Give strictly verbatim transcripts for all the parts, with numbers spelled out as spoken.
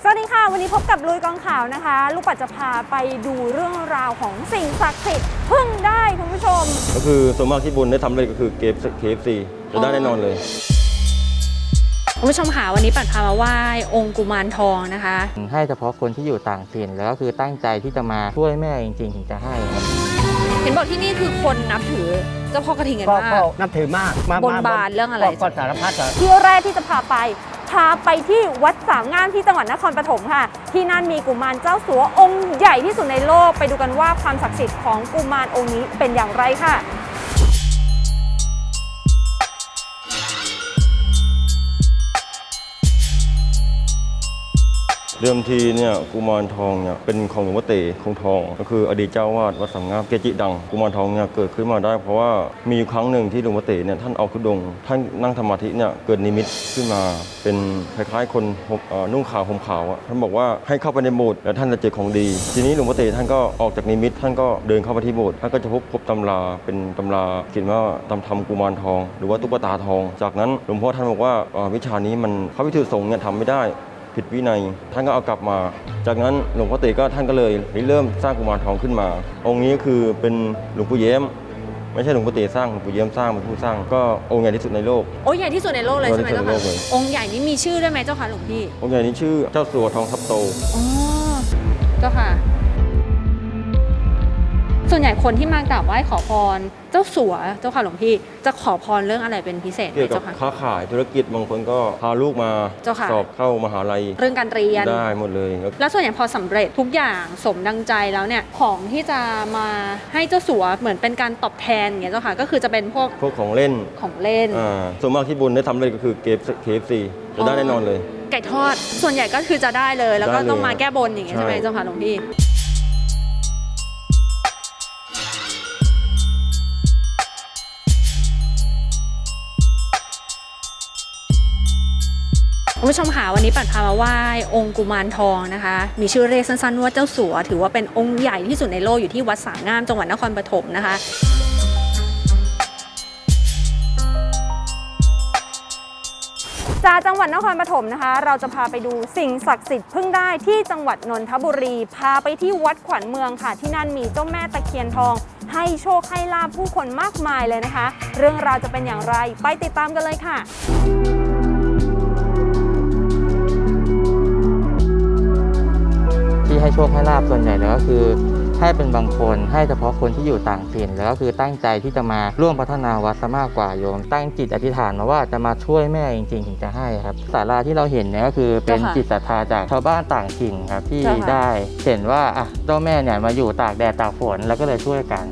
สวัสดีค่ะวันนี้พบกับลุยกองข่าวนะคะลูกปัดจะพาไปดูเรื่องราวของสิ่งศักดิ์สิทธิ์พึ่งได้คุณผู้ชมก็คือส่วนมากที่บุญได้ทำเลยก็คือเกฟเคฟซีจะได้แน่นอนเลยคุณผู้ชมค่ะวันนี้ปัดพามาไหว้องค์กุมารทองนะคะให้เฉพาะคนที่อยู่ต่างถิ่นแล้วก็คือตั้งใจที่จะมาช่วยแม่จริงๆถึงจะให้ครับเห็นบอกที่นี่คือคนนับถือเจ้าพ่อกระทิงกันมากก็นับถือมากบนบานเรื่องอะไรก็สารพัดที่แรกที่จะพาไปพาไปที่วัดสามงามที่จังหวัดนครปฐมค่ะที่นั่นมีกุมารเจ้าสัวองค์ใหญ่ที่สุดในโลกไปดูกันว่าความศักดิ์สิทธิ์ของกุมารองค์นี้เป็นอย่างไรค่ะเดิมทีเนี่ยกุมารทองเนี่ยเป็นของหลวงพ่อเต๋คงทองก็คืออดีตเจ้าวาดวัดสามงามเกจิดังกุมารทองเนี่ยเกิดขึ้นมาได้เพราะว่ามีครั้งหนึ่งที่หลวงพ่อเต๋เนี่ยท่านเอาธุดงค์ท่านนั่งสมาธิเนี่ยเกิดนิมิตขึ้นมาเป็นคล้ายๆคนนุ่งขาวห่มขาวท่านบอกว่าให้เข้าไปในโบสถ์แล้วท่านจะเจอของดีทีนี้หลวงพ่อเต๋ท่านก็ออกจากนิมิตท่านก็เดินเข้าไปที่โบสถ์ท่านก็จะพบพบตำราเป็นตำราเขียนว่าตำทำกุมารทองหรือว่าตุ๊กตาทองจากนั้นหลวงพ่อท่านบอกว่าวิชานี้มันพระวิถีสงฆ์เนี่ยทำไม่ได้ผิดวินัยท่านก็เอากลับมาจากนั้นหลวงพ่อเต๋ก็ท่านก็เลยเริ่มสร้างกุมารทองขึ้นมาองค์นี้คือเป็นหลวงปู่เย้มไม่ใช่หลวงพ่อเต๋สร้างหลวงปู่เย้มสร้างเป็นผู้สร้างก็องค์ใหญ่ที่สุดในโลกองค์ใหญ่ที่สุดในโลกเลยใช่ไหมเจ้าค่ะองค์ใหญ่นี้มีชื่อด้วยไหมเจ้าค่ะหลวงพี่องค์ใหญ่นี้ชื่อเจ้าสัวทองทับโตอ๋อเจ้าค่ะส่วนใหญ่คนที่มากราบไหว้ขอพรเจ้าสัวเจ้าค่ะหลวงพี่จะขอพรเรื่องอะไรเป็นพิเศษเกี่ยวกับค้าขายธุรกิจบางคนก็พาลูกมาสอบเข้ามหาลัยเรื่องการเรียนได้หมดเลยแล้วส่วนใหญ่พอสำเร็จทุกอย่างสมดังใจแล้วเนี่ยของที่จะมาให้เจ้าสัวเหมือนเป็นการตอบแทนอย่างเงี้ยเจ้าค่ะก็คือจะเป็นพวกพวกของเล่นของเล่นอ่าส่วนมากที่บุญได้ทำเลยก็คือเกฟเคฟซีจะได้แน่นอนเลยไก่ทอดส่วนใหญ่ก็คือจะได้เลยแล้วก็ต้องมาแก้บนอย่างเงี้ยใช่ไหมเจ้าค่ะหลวงพี่คุณผู้ชมค่ะวันนี้ปัดพามาไหว้องค์กุมารทองนะคะมีชื่อเรียกสั้นๆว่าเจ้าสัวถือว่าเป็นองค์ใหญ่ที่สุดในโลกอยู่ที่วัดสามงามจังหวัดนครปฐมนะคะจากจังหวัดนครปฐมนะคะเราจะพาไปดูสิ่งศักดิ์สิทธิ์พึ่งได้ที่จังหวัดนนทบุรีพาไปที่วัดขวัญเมืองค่ะที่นั่นมีเจ้าแม่ตะเคียนทองให้โชคให้ลาภผู้คนมากมายเลยนะคะเรื่องราวจะเป็นอย่างไรไปติดตามกันเลยค่ะที่ให้โชคให้ลาภส่วนใหญ่แล้วก็คือให้เป็นบางคนให้เฉพาะคนที่อยู่ต่างถิ่นแล้วก็คือตั้งใจที่จะมาร่วมพัฒนาวัดซะมากกว่าโยมตั้งจิตอธิษฐานมาว่าจะมาช่วยแม่จริงๆถึงจะให้ครับศาลาที่เราเห็นเนี่ยก็คือเป็นจิตศรัทธาจากชาวบ้านต่างถิ่นครับที่ได้เห็นว่าอ่ะเจ้าแม่เนี่ยมาอยู่ตากแดดตากฝนแล้วก็เลยช่วยกัน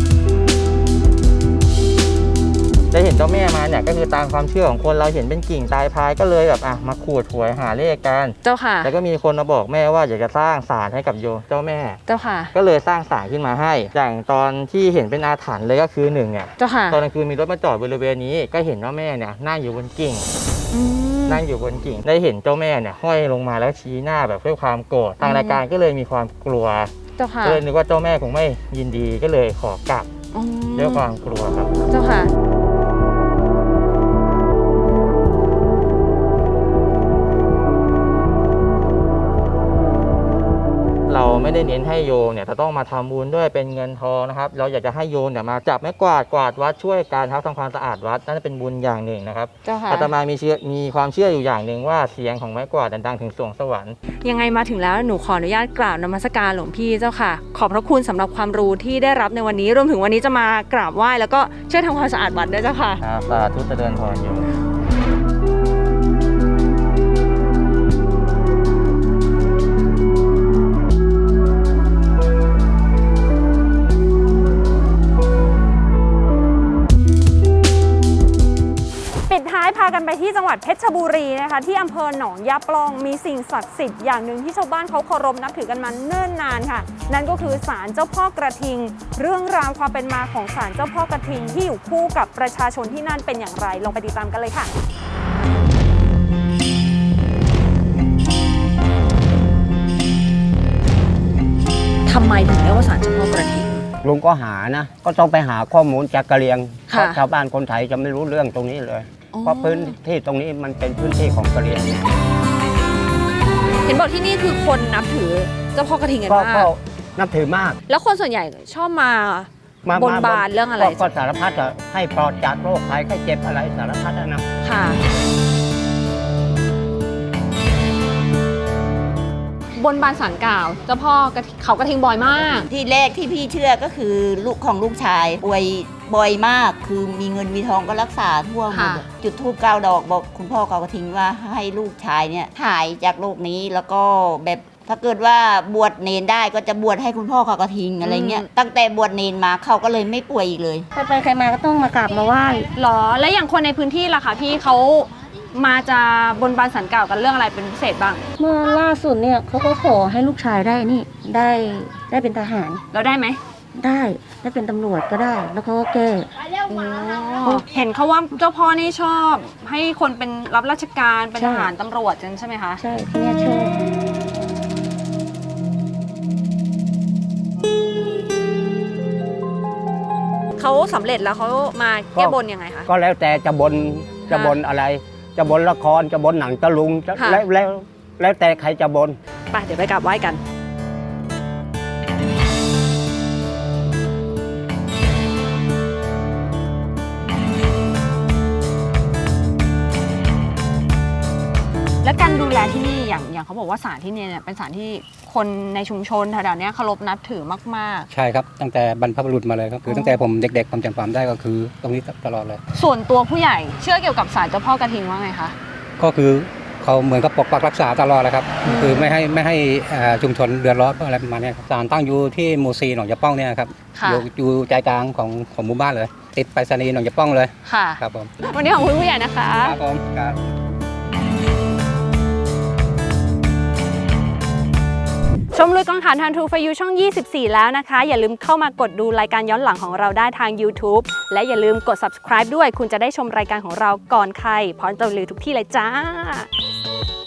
ได้เห็นเจ้าแม่มาเนี่ยก็คือตามความเชื่อของคนเราเห็นเป็นกิ่งตายพายก็เลยแบบอ่ะมาขูดหวยหาเลขกันเจ้าค่ะแล้วก็มีคนมาบอกแม่ว่าอยากจะสร้างศาลให้กับโยมเจ้าแม่เจ้าค่ะก็เลยสร้างศาลขึ้นมาให้อย่างตอนที่เห็นเป็นอาถรรพ์เลยก็คือหนึ่งเนี่ยเจ้าค่ะตอนกลางคืนมีรถมาจอดบริเวณนี้ก็เห็นว่าแม่เนี่ยนั่งอยู่บนกิ่งนั่งอยู่บนกิ่งได้เห็นเจ้าแม่เนี่ยห้อยลงมาแล้วชี้หน้าแบบด้วยความโกรธทางรายการก็เลยมีความกลัวเจ้าค่ะก็เลยนึกว่าเจ้าแม่คงไม่ยินดีก็เลยขอกลับด้วยความกลัวครับเจ้าค่ะเราไม่ได้เน้นให้โยมเนี่ยจะต้องมาทำบุญด้วยเป็นเงินทองนะครับเราอยากจะให้โยมเนี่ยมาจับไม้กวาดกวาดวัดช่วยการทำความสะอาดวัดนั่นเป็นบุญอย่างหนึ่งนะครับอาตมามีเชื่อมีความเชื่ออยู่อย่างหนึ่งว่าเสียงของไม้กวาดดังถึงสวงสวรรค์ยังไงมาถึงแล้วหนูขออนุญาตกราบนมัสการหลวงพี่เจ้าค่ะขอบพระคุณสำหรับความรู้ที่ได้รับในวันนี้รวมถึงวันนี้จะมากราบไหว้แล้วก็ช่วยทำความสะอาดวัดด้วยเจ้าค่ะสาธุเจริญพรโยมพากันไปที่จังหวัดเพชรบุรีนะคะที่อำเภอหนองยาปล่องมีสิ่งศักดิ์สิทธิ์อย่างหนึ่งที่ชาวบ้านเขาเคารพนับถือกันมาเนิ่นนานค่ะนั่นก็คือศาลเจ้าพ่อกระทิงเรื่องราวความเป็นมาของศาลเจ้าพ่อกระทิงที่อยู่คู่กับประชาชนที่นั่นเป็นอย่างไรลองไปติดตามกันเลยค่ะทำไมถึงเรียกว่าศาลเจ้าพ่อกระทิงลุงก็หานะก็ต้องไปหาข้อมูลจากกะเหรี่ยงเพราะชาวบ้านคนไทยจะไม่รู้เรื่องตรงนี้เลยเพราะพื้นที่ตรงนี้มันเป็นพื้นที่ของกะเหรี่ยงเห็นบอกที่นี่คือคนนับถือเจ้าพ่อกระทิงกันก็มาก็กนับถือมากแล้วคนส่วนใหญ่ชอบมามาบนบานเรื่องอะไรก็ก็สารพัดอะให้ปลอดจากโรคภัยไข้เจ็บอะไรสารพัดอะนะค่ะ บนบานสารกล่าวเจ้าพ่อกระทิเขากระทิงบ่อยมากที่แรกที่พี่เชื่อก็คือลูกของลูกชายป่วยบ่อยมาก คือมีเงินมีทองก็รักษาทั่วหมค่ะดจุดธูปเก้าดอกบอกคุณพ่อเขาก็ทิ้งว่าให้ลูกชายเนี่ยหายจากโรคนี้แล้วก็แบบถ้าเกิดว่าบวชเนนได้ก็จะบวชให้คุณพ่อเขาก็ทิ้งอะไรเงี้ยตั้งแต่บวชเนนมาเขาก็เลยไม่ป่วยอีกเลยใครไปใครมาก็ต้องมากราบมาไหว้หรอ แล้วอย่างคนในพื้นที่ล่ะคะพี่เขามาจะบนบานสารกล่าวกันเรื่องอะไรเป็นพิเศษบ้างเมื่อล่าสุดเนี่ยเขาก็ขอให้ลูกชายได้นี่ได้ได้เป็นทหารเราได้ไหมได้ได้เป็นตำรวจก็ได้ แล้วเขาก็แก้เห็นเขาว่าเจ้าพ่อนี่ชอบให้คนเป็นรับราชการเป็นใช่ทหารตำรวจใช่ไหมคะใช่ที่เนี่ยชอบเขาสำเร็จแล้วเขามาแก้บนยังไงคะก็แล้วแต่จะบนจะบนอะไร จะบนละครจะบนหนังตะลุงจะค่ะแล้วแล้วแล้วแต่ใครจะบนไปเดี๋ยวไปกราบไหว้กัน และการดูแลที่นี่อย่างอย่างเขาบอกว่าศาลที่นี่เนี่ยเป็นศาลที่คนในชุมชนแถวๆเนี้ยเคารพนับถือมากใช่ครับตั้งแต่บรรพบุรุษมาเลยครับคือตั้งแต่ผมเด็กๆผมจำความได้ก็คือตรงนี้ตลอดเลยๆ ส่วนตัวผู้ใหญ่เชื่อเกี่ยวกับศาลเจ้าพ่อกระทิงว่าไงคะก็คือเขาเหมือนกับปกปักรักษาตลอดเลยครับคือไม่ให้ไม่ให้เอ่อชุมชนเดือดร้อนอะไรประมาณเนี้ยครับศาลตั้งอยู่ที่หมู่ซีหนองยะป้องเนี่ยครับค่ะอยู่อยู่ใจกลางของของหมู่บ้านเลย ติดไปรษณีย์หนองยะป้องเลยค่ะครับผมวันนี้ของคุณผู้ใหญ่นะคะครับผมครับชมลุยกองถ่านทางทูฟยูช่อง ยี่สิบสี่ แล้วนะคะ อย่าลืมเข้ามากดดูรายการย้อนหลังของเราได้ทาง YouTube และอย่าลืมกด Subscribe ด้วย คุณจะได้ชมรายการของเราก่อนใครพร้อมจะรีวิวทุกที่เลยจ้า